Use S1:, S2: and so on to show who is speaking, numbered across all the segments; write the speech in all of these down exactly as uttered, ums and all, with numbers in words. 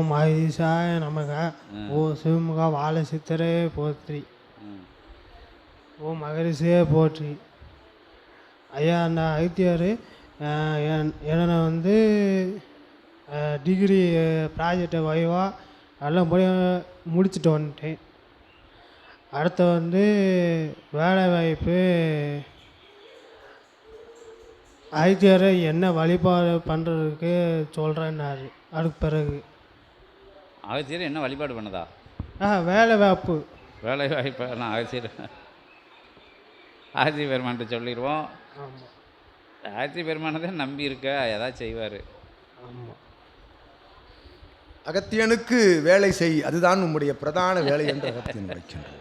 S1: ஓம் மகதீசாய நமக. ஓ சிவமுக வாழ சித்தரே போற்றி. ஓம் மகரிஷியே போற்றி. ஐயா, அந்த அகத்தியார் என்னை வந்து டிகிரி ப்ராஜெக்டை வைவா எல்லாம் போய் முடிச்சுட்டு வந்துட்டேன். அடுத்து வந்து வேலை வாய்ப்பு அகத்தியார் என்ன வழிபாடு பண்ணுறதுக்கு சொல்கிறேன்னாரு. அதுக்கு பிறகு
S2: அகத்தியர் என்ன வழிபாடு பண்ணதா?
S1: ஆ வேலை வாய்ப்பு
S2: வேலை வாய்ப்பு நான் அகத்தியர் ஆதித்ய பெருமான்கிட்ட சொல்லிடுவோம்.
S1: ஆமாம்,
S2: ஆதித்ய பெருமானை தான் நம்பி இருக்க, ஏதாவது செய்வார்.
S1: ஆமாம்.
S3: அகத்தியனுக்கு வேலை செய், அதுதான் உம்முடைய பிரதான வேலை என்று அகத்தியன் வைக்கின்றோம்.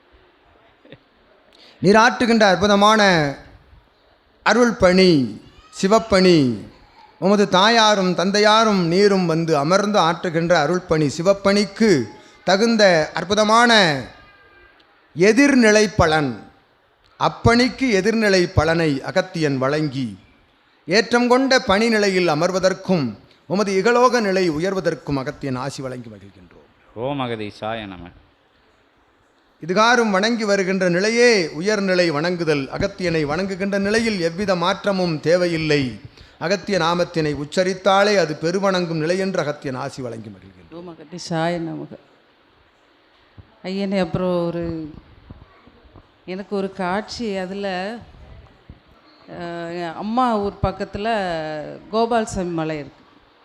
S3: நீராற்றுகின்ற அற்புதமான அருள் பணி, சிவப்பணி, உமது தாயாரும் தந்தையாரும் நீரும் வந்து அமர்ந்து ஆற்றுகின்ற அருள் பணி, சிவப்பணிக்கு தகுந்த அற்புதமான எதிர்நிலை பலன், அப்பணிக்கு எதிர்நிலை பலனை அகத்தியன் வழங்கி ஏற்றம் கொண்ட பணி நிலையில் அமர்வதற்கும் உமது இகலோக நிலை உயர்வதற்கும் அகத்தியன் ஆசி வழங்கி மகிழ்கின்றோம்.
S2: ஓம் மகதீசாய நம.
S3: இதுகாரும் வணங்கி வருகின்ற நிலையே உயர்நிலை வணங்குதல். அகத்தியனை வணங்குகின்ற நிலையில் எவ்வித மாற்றமும் தேவையில்லை. அகத்திய நாமத்தினை உச்சரித்தாலே அது பெருவணங்கும் நிலை என்று அகத்தியன் ஆசி வழங்கி மகிழ்கின்றோம்.
S4: ஓம் மகதீசாய நமக. ஐயனே, அப்புறம் ஒரு எனக்கு ஒரு காட்சி, அதில் அம்மா ஊர் பக்கத்தில் கோபால்சாமி மலை இருக்குது.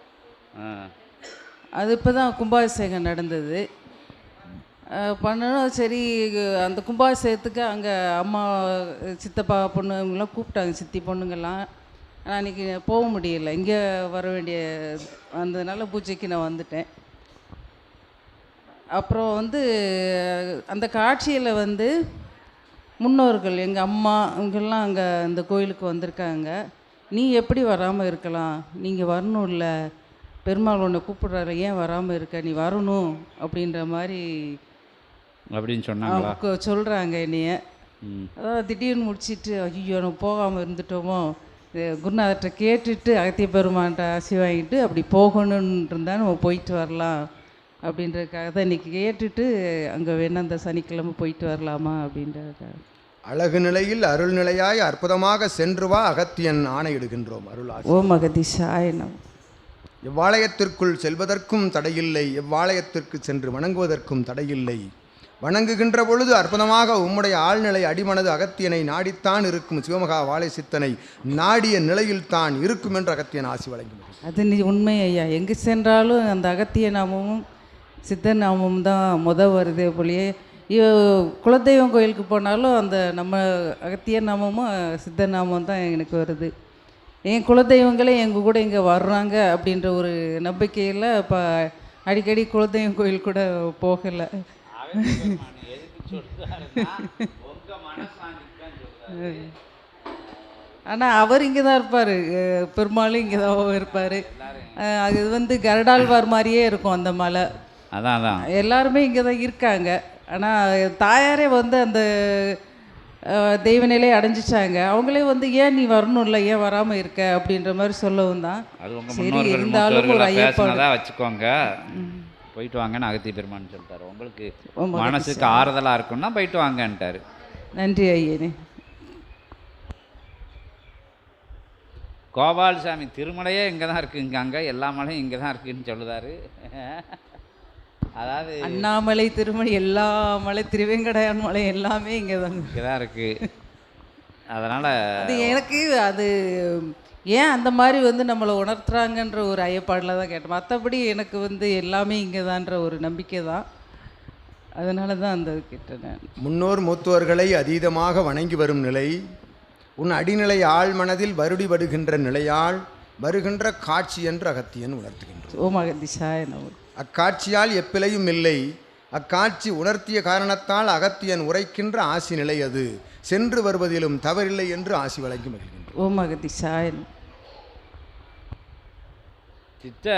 S4: அது இப்போ தான் கும்பாபிஷேகம் நடந்தது. பண்ணணும் சரி, அந்த கும்பாபிஷேகத்துக்கு அங்கே அம்மா சித்தப்பா பொண்ணுங்களாம் கூப்பிட்டாங்க, சித்தி பொண்ணுங்கள்லாம். ஆனால் அன்றைக்கி போக முடியலை, இங்கே வர வேண்டிய வந்ததுனால பூஜைக்கு நான் வந்துட்டேன். அப்புறம் வந்து அந்த காட்சியில் வந்து முன்னோர்கள் எங்கள் அம்மா இவங்கெல்லாம் அங்கே இந்த கோயிலுக்கு வந்திருக்காங்க. நீ எப்படி வராமல் இருக்கலாம், நீங்கள் வரணும், இல்லை பெருமாள் உன்னை கூப்பிட்றாரு, ஏன் வராமல் இருக்க, நீ வரணும் அப்படின்ற மாதிரி
S2: அப்படின்னு சொன்னாங்க
S4: சொல்கிறாங்க என்னைய. அதாவது திடீர்னு முடிச்சுட்டு ஐயோ நம்ம போகாமல் இருந்துட்டோமோ, குருநாதர்கிட்ட கேட்டுட்டு அகத்திய பெருமான்கிட்ட ஆசி வாங்கிட்டு அப்படி போகணுன்னு இருந்தால் நம்ம போயிட்டு வரலாம் அப்படின்றதுக்காக தான் இன்றைக்கி கேட்டுட்டு அங்கே வேணா அந்த சனிக்கிழமை போயிட்டு வரலாமா அப்படின்றதுக்காக.
S3: அழகு நிலையில் அருள் நிலையாய் அற்புதமாக சென்று வா, அகத்தியன் ஆணையிடுகின்றோம். அருள் ஆசி.
S4: ஓம் மகதீசாய நம.
S3: எவ்வாலயத்திற்குள் செல்வதற்கும் தடையில்லை, எவ்வாலயத்திற்கு சென்று வணங்குவதற்கும் தடையில்லை. வணங்குகின்ற பொழுது அற்புதமாக உம்முடைய ஆழ்நிலை அடிமனது அகத்தியனை நாடித்தான் இருக்கும். சிவமகா வாழை சித்தனை நாடிய நிலையில் தான் இருக்கும் என்று அகத்தியன் ஆசி வழங்கி.
S4: அது நீ உண்மை ஐயா. எங்கே சென்றாலும் அந்த அகத்திய நாமமும் சித்தர் நாமமும் தான் முத வருதே போலியே. குலதெய்வம் கோயிலுக்கு போனாலும் அந்த நம்ம அகத்திய நாமமும் சித்தர் நாமம் தான் எனக்கு வருது. என் குலதெய்வங்களே எங்கள் கூட இங்கே வர்றாங்க அப்படின்ற ஒரு நம்பிக்கையில் இப்போ அடிக்கடி குலதெய்வம் கோயில் கூட போகலை. ஆனால் அவர் இங்கே தான் இருப்பார், பெருமாளும் இங்கே தான் இருப்பார். அது வந்து கருடாழ்வார் மாதிரியே இருக்கும் அந்த மலை.
S2: அதான் அதான்
S4: எல்லாருமே இங்கே தான் இருக்காங்க. ஆனால் தாயாரே வந்து அந்த தெய்வ நிலையை அடைஞ்சிச்சாங்க. அவங்களே வந்து ஏன் நீ வரணும், இல்லை ஏன் வராமல் இருக்க அப்படின்ற மாதிரி சொல்லவும் தான். சரி, இருந்தாலும் ஒரு ஐயப்பாடு
S2: வச்சுக்கோங்க, போயிட்டு வாங்கன்னு அகத்திய பெருமான்னு சொல்லிட்டாரு. உங்களுக்கு மனசுக்கு ஆறுதலாக இருக்குன்னா போயிட்டு வாங்கன்ட்டாரு.
S4: நன்றி ஐயனே.
S2: கோபால்சாமி திருமலையே இங்கே தான் இருக்குது, இங்கே அங்கே எல்லா மலையும் இங்கே தான் இருக்குதுன்னு சொல்லுதாரு. அதாவது
S4: அண்ணாமலை, திருமலை, எல்லா மலை, திருவேங்கடையான் மலை எல்லாமே இங்கே தான்
S2: இங்கே தான் இருக்குது. அதனால்
S4: அது எனக்கு அது ஏன் அந்த மாதிரி வந்து நம்மளை உணர்த்துறாங்கன்ற ஒரு ஐயப்பாடில் தான் கேட்டேன். மற்றபடி எனக்கு வந்து எல்லாமே இங்கே தான்ற ஒரு நம்பிக்கை தான். அதனால தான் அந்த கேட்டேன் நான்.
S3: முன்னோர் மூத்தோர்களை அதீதமாக வணங்கி வரும் நிலை, உன் அடிநிலை ஆழ் மனதில் வருடிபடுகின்ற நிலையால் வருகின்ற காட்சி என்று அகத்தியன் உணர்த்துகின்றார்.
S4: ஓம் மகதீசாய நம.
S3: அக்காட்சியால் எப்பிழையும் இல்லை. அக்காட்சி உணர்த்திய காரணத்தால் அகத்தியன் உரைக்கின்ற ஆசி நிலை அது. சென்று வருவதிலும் தவறில்லை என்று ஆசி வழங்கி மகிழ்கின்றார்.
S4: ஓம் மகதீசாய.
S2: சித்த